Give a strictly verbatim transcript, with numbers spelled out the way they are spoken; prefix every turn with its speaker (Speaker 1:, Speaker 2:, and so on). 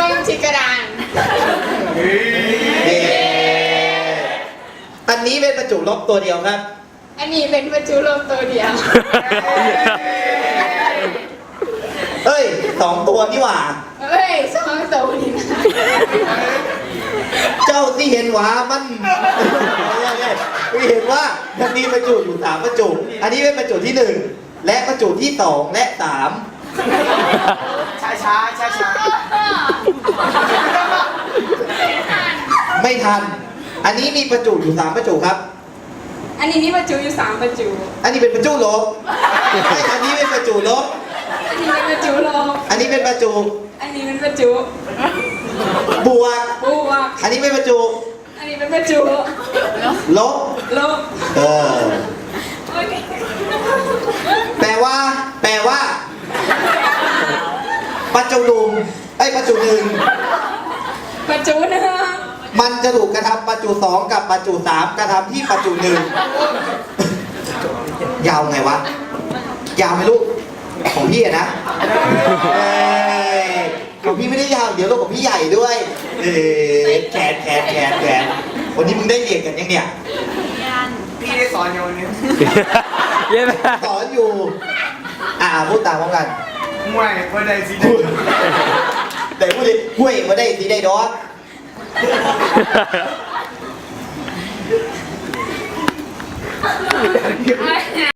Speaker 1: องที่กระดาน
Speaker 2: อันนี้เป็นประจุลบตัวเดียวครับ
Speaker 1: อันนี้เป็นประจุลมตัวเดียว
Speaker 2: เอ้ยสองตัวนี่หว่า
Speaker 1: เฮ้ยสองตัวนี่นะ
Speaker 2: เจ้าที่เห็นหวามันไม่เห็นว่ามันมีประจุอยู่สามประจุ อันนี้เป็นประจุที่หนึ่งและประจุที่สองและสามช้าช้าช้าช้าไม่ทัน อันนี้มีประจุอยู่สามประจุครับ
Speaker 1: อันนี้นี่ประจุอยู่สามประจุ
Speaker 2: อันนี้เป็นประจุลบอันนี้เป็นประจุลบ
Speaker 1: อันนี้เป็นประจุลม
Speaker 2: อันนี้เป็นประจุ
Speaker 1: อันนี้เป็นประจุ
Speaker 2: บวก
Speaker 1: บวก
Speaker 2: อันนี้เป็นประจุ
Speaker 1: อันนี้เป็นประจุ
Speaker 2: ลบ
Speaker 1: ลบ
Speaker 2: เออ
Speaker 1: โอเค
Speaker 2: แปลว่า แปลว่า ประจุหนึ่งไอ้ยประจุหนึ่ง
Speaker 1: ประจุหนึ่ง
Speaker 2: มันจะถูกกระทำประจุสองกับประจุสามกระทำที่ประจุหนึ่งยาวไงวะ ยาวไหมลูก ของพี่อะนะเอ้ยของพี่ไม่ได้ยาวเดี๋ยวลูกของพี่ใหญ่ด้วยเอ้ยแขนแขนแขนแขนวันนี้มึงได้เรียนกันยังเนี่ย
Speaker 3: พี่ได้สอนอยู่นี่
Speaker 4: เย้ไหม
Speaker 2: สอนอยู่ อ่าพูดตามพร้อมกัน
Speaker 3: มวยว่าได้สิ
Speaker 2: พูดแต่พูดดิห้วยมาได้สีได้ดอก